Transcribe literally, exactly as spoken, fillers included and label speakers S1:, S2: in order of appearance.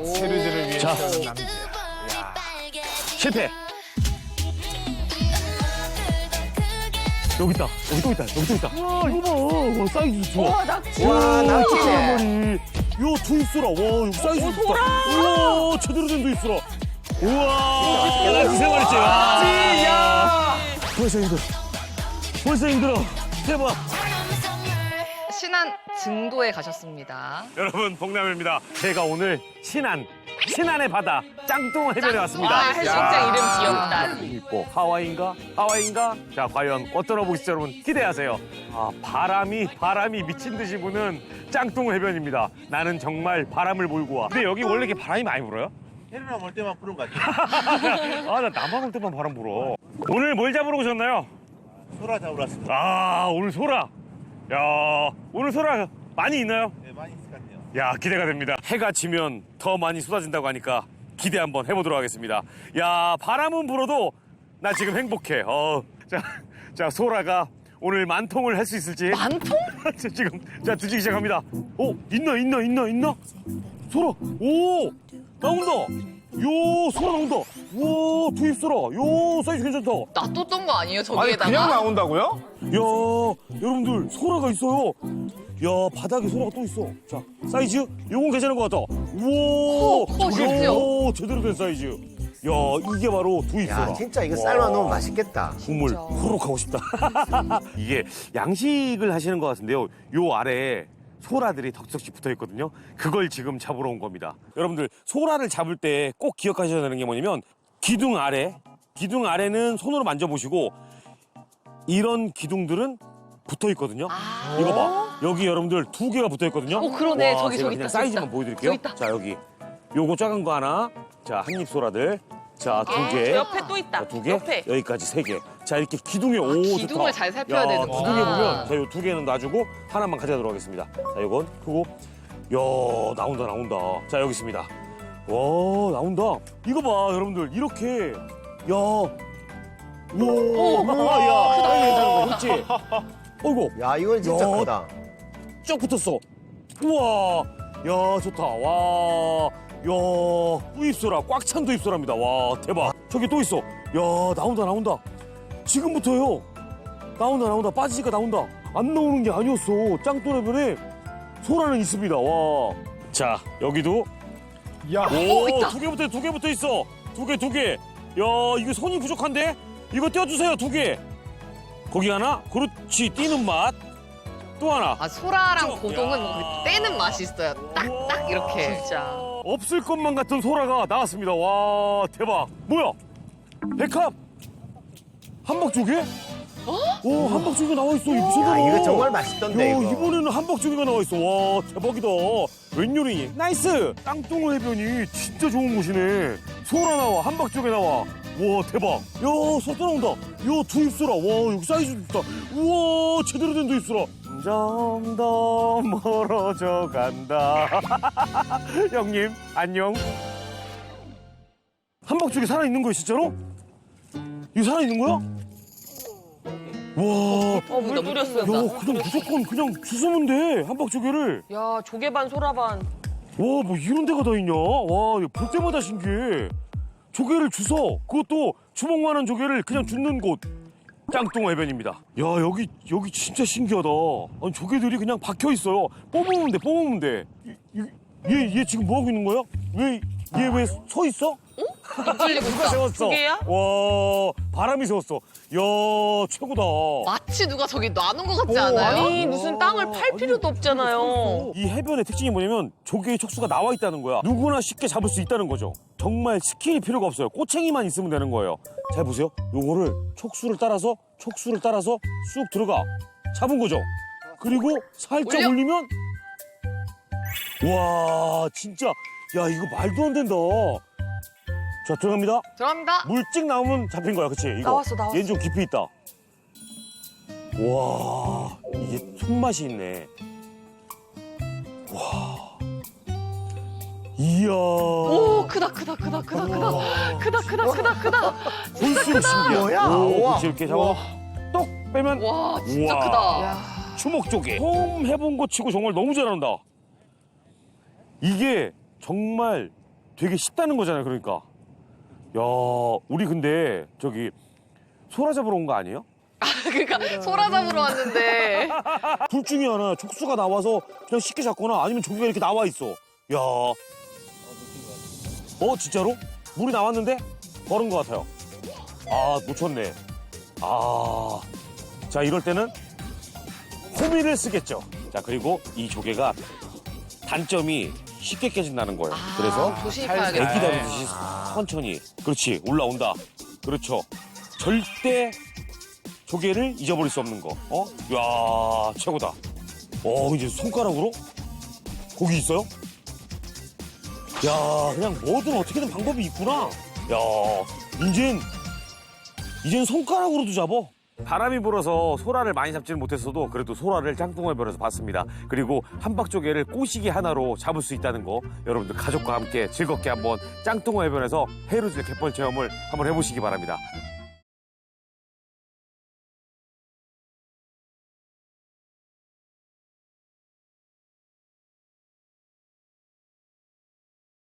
S1: 세르즈를 위해
S2: 자.
S1: 태어난 남자.
S2: 실패. 여기 있다. 여기 또 있다. 여기 또 있다. 와, 이거 봐. 와, 사이즈 좋아.
S3: 와, 낙지.
S4: 와, 낙지네.
S2: 머리. 요 두입술아. 와, 이거 사이즈 좋다. 우와, 제대로 된 두입술아. 우와, 낙지 세 마리째. 야. 벌써 힘들어. 벌써 힘들어. 대박.
S3: 신안 증도에 가셨습니다.
S2: 여러분, 복남입니다. 제가 오늘 신안, 신안의 바다, 짱뚱 해변에 왔습니다.
S3: 아, 해수욕장 이름 귀엽다.
S2: 있고 하와이인가? 하와이인가? 자, 과연 어떤 어복일지 여러분 기대하세요. 아, 바람이 바람이 미친 듯이 부는 짱뚱 해변입니다. 나는 정말 바람을 몰고 와. 근데 여기 원래 이렇게 바람이 많이 불어요?
S4: 해리랑 올 때만 부른 것 같아.
S2: 아, 나 나만 올 때만 바람 불어. 오늘 뭘 잡으러 오셨나요?
S4: 소라 잡으러 왔습니다.
S2: 아, 오늘 소라. 야, 오늘 소라 많이 있나요?
S4: 네, 많이 있을 것 같네요.
S2: 야, 기대가 됩니다. 해가 지면 더 많이 쏟아진다고 하니까 기대 한번 해보도록 하겠습니다. 야, 바람은 불어도 나 지금 행복해. 어, 자, 자, 소라가 오늘 만통을 할 수 있을지.
S3: 만통?
S2: 자, 지금 자 드시기 시작합니다. 오, 있나 있나 있나 있나? 소라, 오, 나온다. 요, 소라 나온다. 우와, 두입 소라. 요, 사이즈 괜찮다.
S3: 놔뒀던 거 아니에요,
S1: 아니
S3: 저기에다가?
S1: 그냥 나온다고요?
S2: 야, 여러분들 소라가 있어요. 야, 바닥에 소라가 또 있어. 자, 사이즈 요건 괜찮은 것 같다. 우와,
S3: 커, 커, 심지어.
S2: 오, 제대로 된 사이즈. 야, 이게 바로 두입 소라.
S4: 야, 진짜 이거 삶아 놓으면 맛있겠다.
S2: 국물 후룩 하고 싶다. 이게 양식을 하시는 것 같은데요. 요 아래에 소라들이 덕석씩 붙어 있거든요. 그걸 지금 잡으러 온 겁니다. 여러분들, 소라를 잡을 때 꼭 기억하셔야 되는 게 뭐냐면 기둥 아래, 기둥 아래는 손으로 만져보시고 이런 기둥들은 붙어 있거든요.
S3: 아.
S2: 이거 봐. 여기 여러분들 두 개가 붙어 있거든요.
S3: 어, 그러네.
S2: 와,
S3: 저기,
S2: 제가
S3: 저기
S2: 그냥
S3: 있다, 저기
S2: 사이즈만
S3: 있다.
S2: 보여드릴게요.
S3: 저기 있다.
S2: 자, 여기. 요거 작은 거 하나. 자, 한입 소라들. 자, 두 개.
S5: 저 옆에 또 있다.
S2: 자, 두 개.
S5: 옆에.
S2: 여기까지 세 개. 자, 이렇게 기둥에 오,
S3: 기둥을
S2: 좋다.
S3: 잘 살펴야
S2: 야,
S3: 되는구나.
S2: 기둥에 보면 자, 요 두 개는 놔주고 하나만 가져가도록 하겠습니다. 자, 요건 크고. 야, 나온다, 나온다. 자, 여기 있습니다. 와, 나온다. 이거 봐, 여러분들. 이렇게. 야. 우와, 야, 크다. 괜찮은 거, 그렇지? 어이구,
S4: 야, 이건 진짜
S2: 야.
S4: 크다.
S2: 쭉 붙었어. 우와, 야, 좋다. 와, 야, 두입소라, 꽉 찬 두입소라입니다. 와, 대박. 저기 또 있어. 야, 나온다, 나온다. 지금부터요. 나온다, 나온다. 빠지니까 나온다. 안 나오는 게 아니었어. 짱또라변에 소라는 있습니다. 와. 자, 여기도.
S1: 야,
S2: 오,
S3: 있다.
S2: 두 개부터, 두 개부터 있어. 두 개, 두 개. 야, 이거 손이 부족한데? 이거 떼어주세요, 두 개. 거기 하나. 그렇지, 뛰는 맛. 또 하나.
S3: 아, 소라랑
S2: 쭉.
S3: 고동은
S2: 야.
S3: 떼는 맛이 있어요. 딱, 딱 이렇게.
S5: 진짜.
S2: 없을 것만 같은 소라가 나왔습니다. 와, 대박. 뭐야? 백합? 한박조개? 오, 한박조개 나와 있어. 이거
S4: 야,
S2: 제대로.
S4: 이거 정말 맛있던데,
S2: 야,
S4: 이거.
S2: 이번에는 한박조개가 나와 있어. 와, 대박이다. 웬요리? 나이스. 짱뚱어 해변이 진짜 좋은 곳이네. 소라 나와, 한박조개 나와. 와, 대박. 야, 소라 또 나온다. 야, 두입소라. 와, 여기 사이즈 좋다. 우와, 제대로 된 두입소라. 점 더 멀어져 간다. 형님, 안녕. 한박조개 살아있는 거야, 진짜로? 이거 살아있는 거야? 와,
S5: 어, 물
S3: 너무
S5: 뿌렸어요.
S2: 야, 그냥 무조건 그냥 주스면 돼, 한박조개를.
S5: 야, 조개반, 소라반.
S2: 와, 뭐 이런 데가 다 있냐? 와, 이거 볼 때마다 신기해. 조개를 주워. 그것도 주먹만한 조개를 그냥 줍는 곳. 짱뚱어 해변입니다. 야, 여기, 여기 진짜 신기하다. 아니, 조개들이 그냥 박혀 있어요. 뽑으면 돼, 뽑으면 돼. 이- 이- 얘, 얘 지금 뭐 하고 있는 거야? 왜, 얘 왜 서 있어?
S3: 뚫리고
S2: 누가
S3: 있어.
S2: 세웠어?
S5: 조개야?
S2: 와, 바람이 세웠어. 야, 최고다.
S3: 마치 누가 저기 놔놓은 것 같지 않아요?
S5: 아니, 무슨 땅을 팔 필요도 없잖아요.
S2: 이 해변의 특징이 뭐냐면 조개의 촉수가 나와 있다는 거야. 누구나 쉽게 잡을 수 있다는 거죠. 정말 스킬이 필요가 없어요. 꼬챙이만 있으면 되는 거예요. 잘 보세요. 요거를 촉수를 따라서 촉수를 따라서 쑥 들어가. 잡은 거죠. 그리고 살짝
S3: 올려.
S2: 올리면 와, 진짜 야, 이거 말도 안 된다. 자, 들어갑니다.
S3: 들어갑니다.
S2: 물찍 나오면 잡힌 거야, 그치? 이거.
S5: 나왔어, 나왔어.
S2: 얘는 좀 깊이 있다. 와, 이게 손맛이 있네. 와, 이야.
S3: 오, 크다, 크다, 크다, 크다, 크다. 크다, 크다, 크다, 크다.
S2: 볼수록 신기해.
S4: 뭐야?
S2: 오,
S4: 우와.
S2: 그렇지, 이렇게 잡아. 똑 빼면
S3: 와, 진짜
S2: 우와.
S3: 크다.
S2: 주먹조개. 처음 해본 거 치고 정말 너무 잘한다. 이게 정말 되게 쉽다는 거잖아요, 그러니까. 야, 우리 근데 저기 소라 잡으러 온 거 아니에요?
S3: 그러니까 소라 잡으러 왔는데.
S2: 둘 중에 하나 촉수가 나와서 그냥 쉽게 잡거나 아니면 조개가 이렇게 나와 있어. 야, 어 진짜로? 물이 나왔는데 걸은 것 같아요. 아, 놓쳤네. 아, 자 이럴 때는 호미를 쓰겠죠. 자, 그리고 이 조개가 단점이 쉽게 깨진다는 거예요. 그래서
S3: 조심히
S2: 애기
S3: 가야겠다.
S2: 다루듯이 천천히. 그렇지, 올라온다. 그렇죠. 절대 조개를 잊어버릴 수 없는 거. 어? 야, 최고다. 어, 이제 손가락으로 고기 있어요? 야, 그냥 뭐든 어떻게든 방법이 있구나. 야, 이젠 이젠 손가락으로도 잡어. 바람이 불어서 소라를 많이 잡지는 못했어도 그래도 소라를 짱뚱어해변에서 봤습니다. 그리고 함박조개를 꼬시기 하나로 잡을 수 있다는 거 여러분들 가족과 함께 즐겁게 한번 짱뚱어해변에서 해루질 갯벌 체험을 한번 해보시기 바랍니다.